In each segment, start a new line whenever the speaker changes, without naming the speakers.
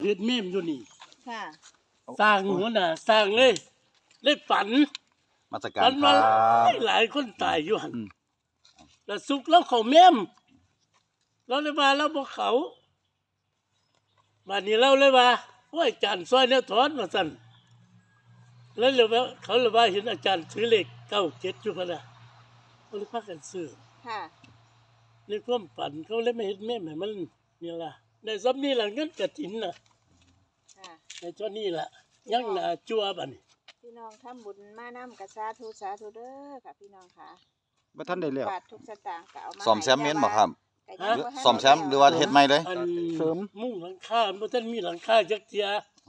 เฮ็ดเมมอยู่นี่
ค่ะ
สร้างหัวหน้าสร้างเลยฝัน
มาสการ
ฝัน
ค
ว่า
รับ
หลายคนตายอยู่หั่น
อืม
แล้วสุกแล้วเขาเมมเราเลยว่าเราบ่เขาบัดนี้เราเลยว่าโอ้ยอาจารย์ซอยแนวถอนว่าซั่นแล้วเลยว่าเขาเลยว่าเห็นอาจารย์ถือเลข97อยู่พุ่นน่ะก็เลยพากันซื้อ
ค่ะ
ในความฝันเขาเลยไม่เฮ็ดเมมให้มันนี่ล่ะได้ซ้ำนี่ล่ะเงินกฐินน่ะ
ค่ะ
ในเท่านี้ล่ะยังหน้าจั่วบัดนี้
พี่น้องทำบุญมานำกะสาธุเด้อค่ะพี่น้องค่ะ
บ่ทันได้แล้ว
บาททุกสตางค์ก็เอามา
ซ่อมแซมเมนบ่ครับ
ก็ยังบ่ทัน
ซ่อมแซมหรือว่าเฮ็ดใหม่เลย
อัน
เสริม
มุ้งหลังคาบ่ทันมีหลังคาจักเที่ย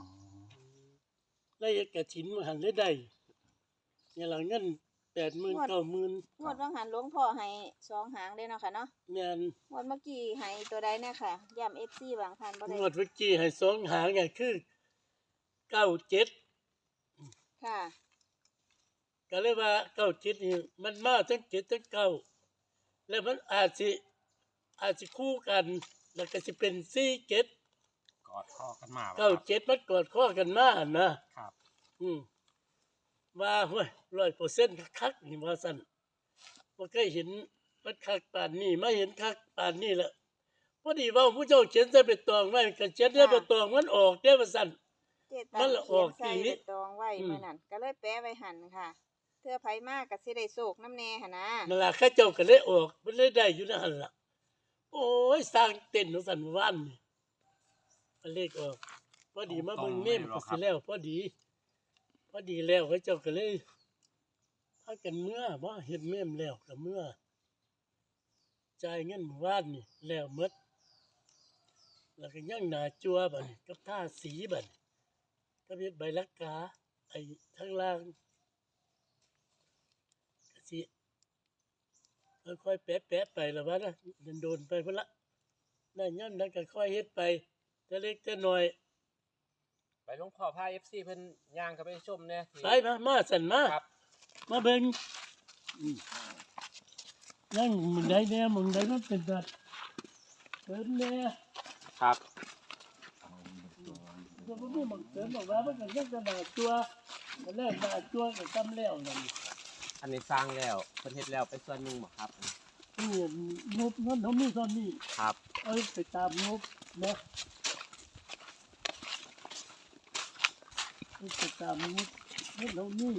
ได้กฐินมาหันได้เนี่ยหลังเงิน80,000 90,000
งวดว่างหันหลวงพ่อให้2หางเด้เนาะค่ะเนาะ
แม่น
งวดเมื่อกี้ให้ตัวใดแน่ค่ะย้ำ FC บางท่านบ่ได้
งวดเมื่อกี้ให้2หางไงคือ97
ค่ะ
ก็เลยว่า97นี่มันมาทั้ง7ทั้ง9แล้วมันอาจสิคู่กันแล้วก็สิเป็น47
กอดข้อกันมา
97มันกอดข้อกันมานะครับ ว่าห้วย100%คักๆนี่ว่าซั่นบ่เคยเห็นมันคักปานนี้มาเห็นคักปานนี้แล้วพอดีเว้าผู้เจ้าเขียนใส่เป็นตองไว้ก็เขียนใส่เป็นตองมันออกเด้อว่าซั่น
เจตั
มัน
ง
ละออก
เขียน
อีหลี
ใส่ใบตองไว้มื้อนั้นก็เลยแปะไว้หั่นค่ะเทื่อไผมากก็สิได้โศกน้ำแน่หั่นนะ
นั่นล่ะเขาเจ้าก็เลยออกมันเลยได้อยู่นั่นล่ะโอ้ยสร้างเต้นว่าซั่นเมื่อวานนี่ก็เลขออกพอดีมาเบิ่งเมมก็สิแล้วพอดีแล้วเขาเจ้าก็เลยพากันเมื่อบ่เฮ็ดเมมแล้วก็เมื่อจ่ายเงินเมื่อวานนี่แล้วหมดแล้วก็ยังหน้าจั่วบัดนี้กับทาสีบัดนี้ก็เฮ็ดใบลักกาไอ้ทางล่างก็สิค่อยๆแปะๆไปแล้วว่านะโดนๆไปพุ่นละนั่นย่ำนั้นก็ค่อยเฮ็ดไปแต่เล็กแต่น้อย
ไปหลวงพ่อพา FC เพิ่นย่างเข้าไปชมเนี่ย
ไปมาสั่นมา
ครับ
มาเบิ่งยังมึงได้แน่มึงได้มันเป็นสัตว์เกินแน่
ครับ
ตัวบ่มีมึงเกินบอกว่ามันก็ยังจะหน้าตัวมันแล้วหน้าตัวก็ซ้ำแล้วนั่น
อันนี้สร้างแล้วเพิ่นเฮ็ดแล้วไปส่วนหนึงบ่ครับ
นี่งบเงินเขามีเท่านี้
ครับ
เอาไปตามงบนะเอาไปตามงบเงินเขามี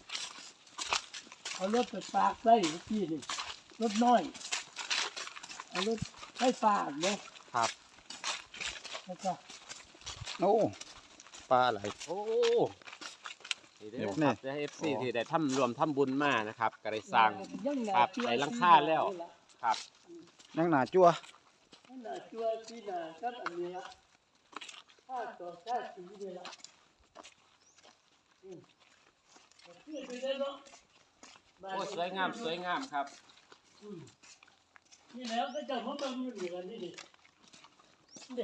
เอารถไปฝากไว้เมื่อกี้นี่รถน้อยเอารถไฟฟ้าเนาะ
ครับ
แล้วก็
โอ้ปลาไหล
โอ้นี่เด้อ
นี่
ครับได้ FC ที่ได้รวมทำบุญมานะครับก็ได้สร้าง
ยังหน้า
ครับ
จั่ว
ใส่หลังคาแล้ว ครับ
ยังหน้าจั่ว
ยังหน้าจั่วที่หน้ากับอันนี้ละค่าต่อค่าสีนี่ละก็คือไปได้เนาะ
โอ้สวยงามครับ
นี่แล้วก็จะมาเบิ่งอยู่นี่กันนี่ดินี่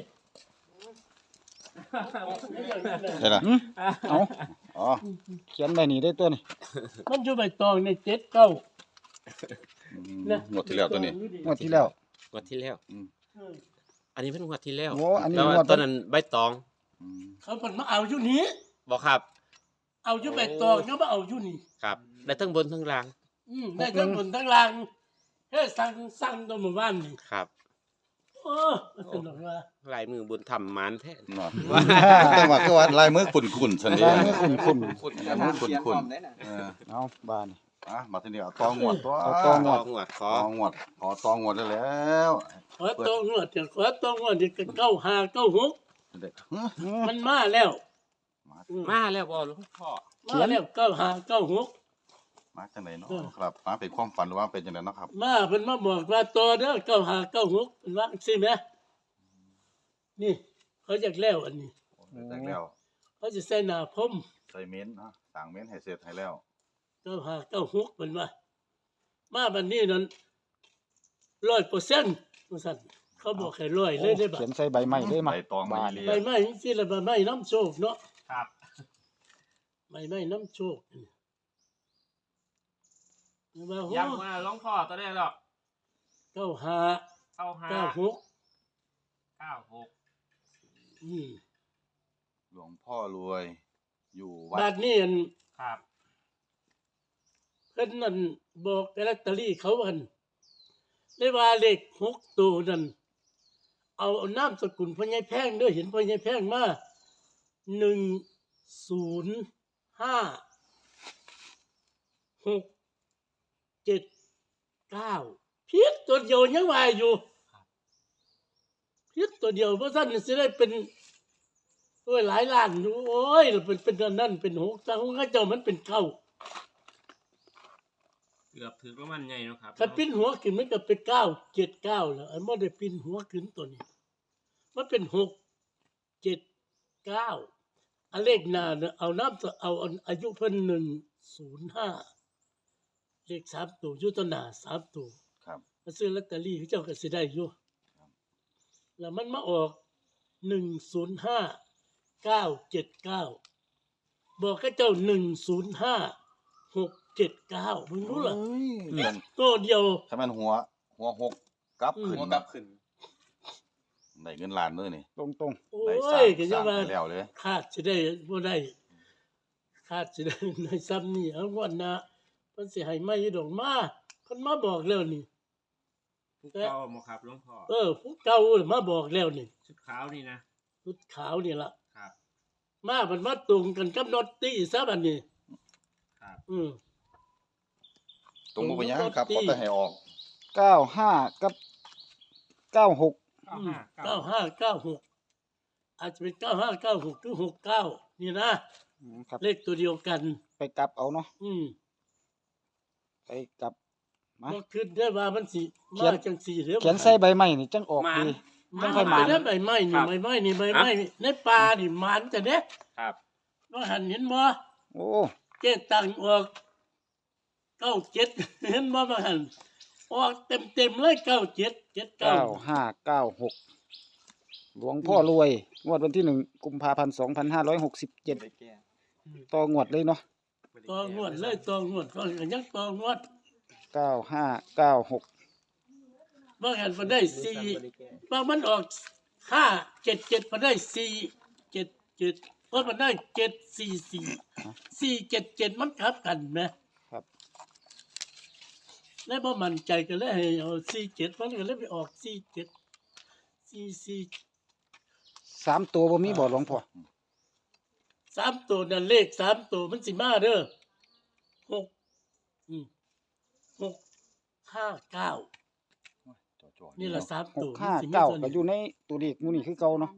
ใช่ล่ะ
อืม
เอาอ๋อเขียนใบนี้ได้ตัวนี่
มันอยู่ใบตองใน7-9 นะ
งวดที่แล้วตัวนี้งวดที่แล้ว
งวดที่แล้ว
เออ
อันนี้เพิ่นงวดที่แล้ว
โอ้อันนี้
แล้ว
งวด
ตอนนั้นใบตอง
อืม
เขาเพิ่นมาเอาอยู่นี้
บ่ครับ
เอาอยู่ใบตองเขามาเอาอยู่นี่
ครับได้ทั้งบนทั้งล่าง
ได้ทั้งบนทั้งล่างเฮ้ยสั่งตัวหมู่บ้านนี่
ครับ
โอ้สนุกว่า
ลายมือบุญธรรมหมานแท้
เนาะแต่ว่าคือว่าลายมือขุ่นๆซั่นเด้ลายมือขุ่นลายมือขุ่นเออๆเอาบ้านมาทีนี้เอาตองวดตัวเอาตองวด
งวดข
ต
อ
องวดขอตองวดได้แล้ว
ขอตองวดเดี๋ยวขอตองวดเดี๋ยวก็9596
เด็ก
มันมาแล้ว
มาแล้วบ่หลวงพ่อ
มาแล้ว9596
มาจังไดเนาะครับมาเป็นความฝันหรือว่าเป็นจังไดเนาะครับ
มาเพิ่นมาบอกว่าต่อเด้อ9596เพิ่นว่าจังซี่แหมนี่เขาอยากแล้วอันนี้
แต่แล้ว
เขาจะใส่หน้าพรม
ใส่เม้นเนาะสั่งเม้นให้เสร็จให้แล้ว
9596เพิ่นว่ามาบัดนี้นั้น100%ว่าซั่นเขาบอกให้100เลยได้บัด
เขียนใส่ใบไม้ได้มา
ใบตองมาเรีย
ใบไม้จังซี่ละใบไม้น้ำโชคเนาะ
ครับ
ใบไม้น้ำโชคนี่ว่าโห
ย้ำว่าหลวงพ่อตัวได้หรอก
95
เข้า5
96
96
อืม
พ่อรวย อยู่วัด
บาดนี้อัน
ครับ
เพิ่นนั่นบอกแต่ลอตเตอรี่เขาอันได้ว่าเลข6ตัวนั่นเอานามสกุลพ่อใหญ่แพงเด้อเห็นพ่อใหญ่แพงมา105 679ผิดตัวเดียวยังว่าอยู่ผิดตัวเดียวเพราะท่านสิได้เป็นโอ้ยหลายล้านอยู่โอ้ยเป็นอันนั้นเป็น6แต่ของเขาเจ้ามันเป็น9
เกือบถือว่ามันใหญ่เนาะครับ
ถ้าปิ้นหัวขึ้นมันก็เป็น979แล้วอันบ่ได้ปิ้นหัวขึ้นตัวนี้มันเป็น679อันเลขหน้าเนี่ยเอาน้ำเอาอายุเพิ่น105เลข3ตัวอยู่ตัวหน้า3ตัว
ครับ
มาซื้อลอตเตอรี่เขาเจ้าก็สิได้อยู่แล้วมันมาออก105979บอกกับเจ้า105679มึงรู้เหรอ
เงิน
ตัวเดียว
ถ้ามันหัวหกกลับขึ้น
หัวกลับขึ้น
ได้เงินล้านมื้อนี่
ตรง
โอ้
ได้
ยก็ยังว่า
ให้แล้วเลย
คาดสิได้บ่ได้คาดสิได้ในซ้ำนี่เอางวดหน้าเพิ่นสิให้มาอยู่ดอกมาเพิ่นมาบอกแล้วนี่
ผู้เก่าบ่ครับหลวงพ่อ
ผู้เก่ามาบอกแล้วนี่
ชุดขาวนี่นะ
ชุดขาวนี่ล่ะ
ครับ
มาเพิ่นมาตรงกันกับนอตตี้ซะบัดนี้
ครับ
ตรงบ่เป็นหยังครับก็จะให้ออก
ๆ95กับ96
9596อาจจะเป็น9596หรือ69นี่นะ
ครับ
เลขตัวเดียวกัน
ไปกลับเอาเนาะ
อืม
ไปกลับมา
บ่คิดได้ว่ามันสิ
เขีย
มาน จังซี่เด้อ
เขียนใส่ใบไม้นี่จังออก
หมาน
ดี
มัน
ค่อยมา
ได้ใบไม้นี่ใบไม้นี่ใบไม้นี่ในป่านี่มันจะเด้
ครับ
ว่าหันเห็นบ่
โอ้
เจ๊ตังออก97เห็นบ่ว่าหันออกเต็มๆเลย97 79
9596หลวงพ่อรวยงวดวันที่1กุมภาพันธ์2567ต่องวดเลยเนาะ
ต่องวดเลยต่องวดก็ยังต่องวด
9596
ว่าหันมันได้4ว่ามันออก577มันได้477เพราะมันได้744 477มันกลับกันแหม
ครับ
แล้วบ่มั่นใจก็เลยให้เอา47มันก็เลยไปออก47 44
3ตัวบ่มีบ่หลวงพ่อ
3ตัวนั่นเลข3ตัวมันสิมาเด้อ6 659นี่ล่ะ3ตัวมันสิมีตัว
659ก็อ
นี้
ยู่ในตัวเลขหมู่นี่คือเก่าเนาะ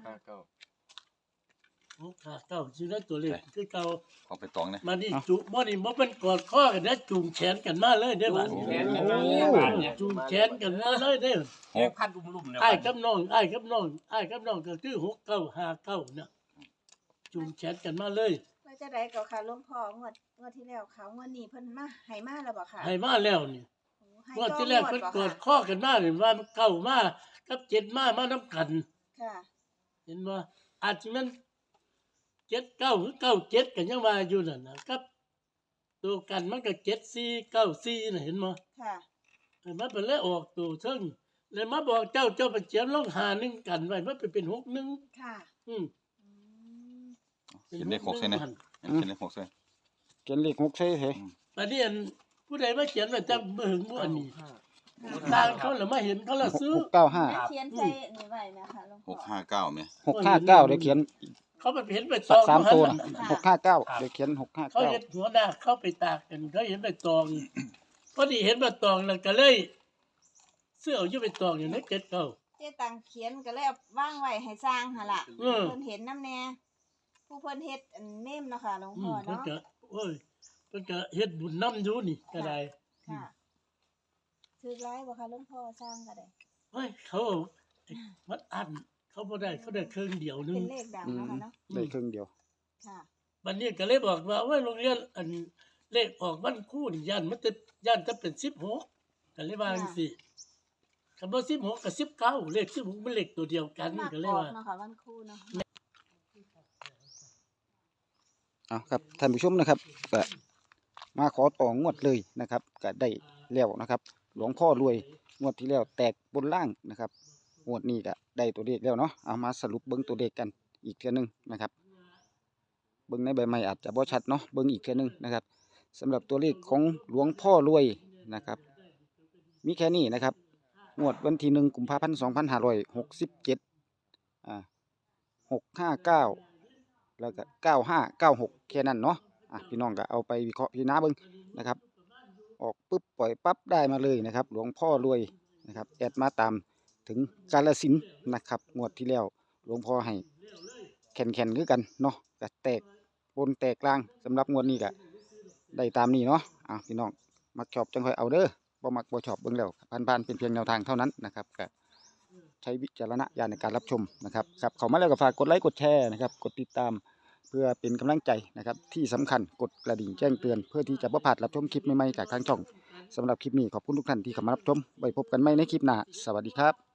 659อยู่ในตัวเลขคือเก่า
ของไปตองนะ
มานี่จุบ่นี่บ่เป็นกอดข้อกันนะจูงแขนกันมาเลยเด้อบัด
จู
นี้
งแขนกันมาเลยบาดเนี่ย
จูงแขนกันมาเลยเด้อ
แขนพันลุ่มๆเนี่ย
อ้ายกับน้องอ้ายกับน้องอ้ายกับน้องก็คือ6959น่ะจูงแขนกันมาเลย
ว่าจะได้ก็ค่ะหลวงพ่องวดที่แล้วเขางวดนี้เพิ่นมาให้มาแล้วบ่ค่ะ
ให้มาแล้วนี่
ให้
ว่า
ต่อ
ที่แรก
งว
เพิ่น
บ่
กอด
ค่ะ
ข้อกันมานี่ว่ามันเก้ามากับ7มานํกัน
ค่ะ
เห็นบ่อาจสิแม่น79หรือ97กันยังว่าอยู่นั่นน่ะกับตัวกันมันก็7494น่ะเห็นบ่
ค่ะ
มันเป็นเลยออกตัวเทิงเลยมาบอกเจ้าไปเขียนลง51กันไว้มันเป็น61
ค่ะ
อืม
อืม
เขียนเลข6ใส่นะเขียนเลข6ใส่
เขียนเลข6ใส่เถอะ
บัดนี้อันผู้ใดมาเขียนไว้จักบ่ถึงบ่อันนี้ต่างเขาแล้วมาเห็นเขาละซื้อ
695
เขียนใส่นี่ไว้นะคะหลวงพ่อ
659แม่
659เดี๋ยวเขียน
เขาไปเห็นไปต
สั
อก ง
3ตัว
หั่น
นะ
น่ะ
659เดี๋ยวเขียน
เขาเห็น
659
หัวหน้าเข้าไปตากกันเขาเห็นใบตองพอดีเห็นใบตองแล้วก็เลยเสื้อเอาอยู่ใบตองอยู่ในเจ็ดเก้า
เจ๊ตังเขียนก็เลยเอาวางไว้ให้สร้างหั่นล่ะ
อืม
เพิ่นเห็นนำแน่ผู้เพิ่นเฮ็ดอันเมมเนาะค่ะหลวง
อื
พ่อ
มเพิ่น
เนาะ
ก็โอ้ยเพิ่นก็เฮ็ดบุญนำอยู่นี่ก็ได้
ค่ะซื้อหลายบ่ค่ะหลวงพ่อสร้างก็ได้
เฮ้ยเขาวัดอันเขาบ่ได้เขาได้ครึ่งเดียวนึ
เป็
ง
นเลขดังเนาะค่ะเนาะ
ได้ครึ่งเดียว
ค่ะ
บัดนี้ก็เลยบอกว่าโอ้ยโรงเรียนอันเลขออกวันครูนี่ย่านมันจะย่านจะเป็น16ก็เลยว่าจังซี่คันบ่16ก็19เลข16มันเลขตัวเดียวกัน
มาก
ก็เล
อย อก
ว่า
เนาะค่ะวันครูเนาะ
เอาครับท่านผู้ชมนะครับก็มาขอต่องวดเลยนะครับก็ได้แล้วนะครับ หลวงพ่อรวยงวดที่แล้วแตกบนล่างนะครับงวดนี้ก็ได้ตัวเลขแล้วเนาะเอามาสรุปเบิ่งตัวเลขกันอีกเทื่อนึงนะครับเบิ่งในใบไม้อาจจะบ่ชัดเนาะเบิ่งอีกเทื่อนึงนะครับสำหรับตัวเลขของหลวงพ่อรวยนะครับมีแค่นี้นะครับงวดวันที่1 กุมภาพันธ์ 2567659แล้วก็9596แค่นั้นเนาะพี่น้องก็เอาไปวิเคราะห์พิจารณาเบิ่งนะครับออกปุ๊บปล่อยปั๊บได้มาเลยนะครับหลวงพ่อรวยนะครับแอดมาตามถึงกาฬสินธุ์นะครับงวดที่แล้วหลวงพ่อให้แข่นคือกันเนาะก็แตกบนแตกกลางสำหรับงวดนี้ก็ได้ตามนี้เนาะพี่น้องมักชอบจังค่อยเอาเด้อบ่มักบ่ชอบเบิ่งแล้วผ่านๆเป็นเพียงแนวทางเท่านั้นนะครับก็ใช้วิจารณญาณในการรับชมนะครับเข้ามาแล้วก็ฝากกดไลค์กดแชร์นะครับกดติดตามเพื่อเป็นกำลังใจนะครับที่สำคัญกดกระดิ่งแจ้งเตือนเพื่อที่จะบ่พลาดรับชมคลิปใหม่ๆจากทางช่องสำหรับคลิปนี้ขอบคุณทุกท่านที่เข้ามารับชมไว้พบกันใหม่ในคลิปหน้าสวัสดีครับ